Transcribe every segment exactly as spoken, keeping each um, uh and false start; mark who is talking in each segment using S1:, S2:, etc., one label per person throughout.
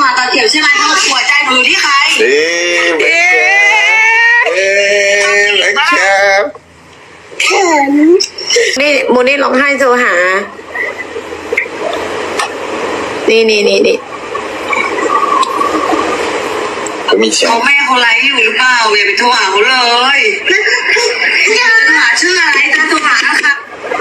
S1: หาตอนเกี่ยวใช่ไหมเขาหัวใจมือที่ใคร
S2: เอ๊ะเอ๊ะเอ๊ะแบงค์แคป
S3: เขิน
S4: นี่โมนี่ร้องไห้โทรหา นี่นี่นี่นี่
S2: ก็มีเสียง
S1: เขาแม่เขาไลฟ์อยู่หรือเปล่าอย่าไปโทรหาเขาเลยจะหาชื่ออะไรจะโทรหาครับ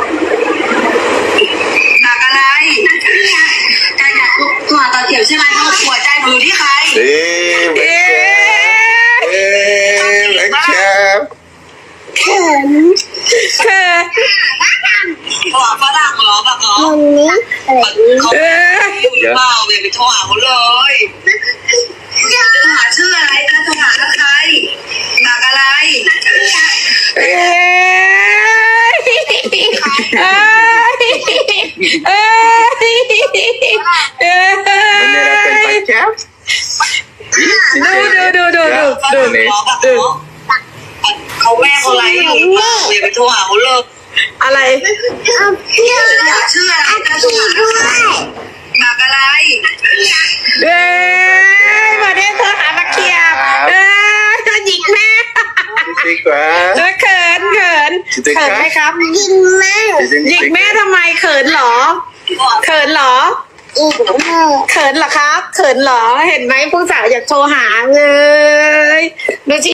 S1: หนักอะไรจะอยากโทรหาตอนเกี่ยวใช่ไหมเขาหัวใจมือที่ใคร
S2: เอ๊ะแบงค์แคปเอ๊ะแบงค์แคป
S3: เขิน
S4: เธอ
S1: โทรหาฝรั่งเหรอแบบเหรอ
S3: ตรงนี้อะไร
S1: เขา
S4: เออ
S1: อยู่หรือเปล่าอย่าไปโทรหาเขาเลยจะหาชื่ออะไรจะโทรหาใครหนักอะไร
S4: เอ้ยเอ้ยเอ้ยเอ้
S2: มันเนี่ยเป็นแบ
S4: ย
S2: งค์แคป
S4: ดูดูดูดูดู
S1: ฝรั่งเหรอแบบเหรอเขาแม่เขาไลฟ์อยู่หรือเปล่าอย่าไปโทรหาเขาเลย
S4: อะไร
S3: เอาเพื่อน
S1: อยากชื่ออะไรจะโทร
S3: พี่
S1: หา
S3: ด้วย
S1: หนักอะไร
S4: เอ้ยมาได้เธอหามาเคลียร์เอ้ยเธอหยิกแม่
S2: ดีกว่า
S4: เออเขินเขินเขินไหมครับ
S3: ยิงแม่
S4: หยิกแม่ทำไมเขินเหรอ เขินเหรอ
S3: อีกแม่
S4: เขินเหรอครับ เขินเหรอ เห็นไหมผู้สาวอยากโทรหาเลยดูสิ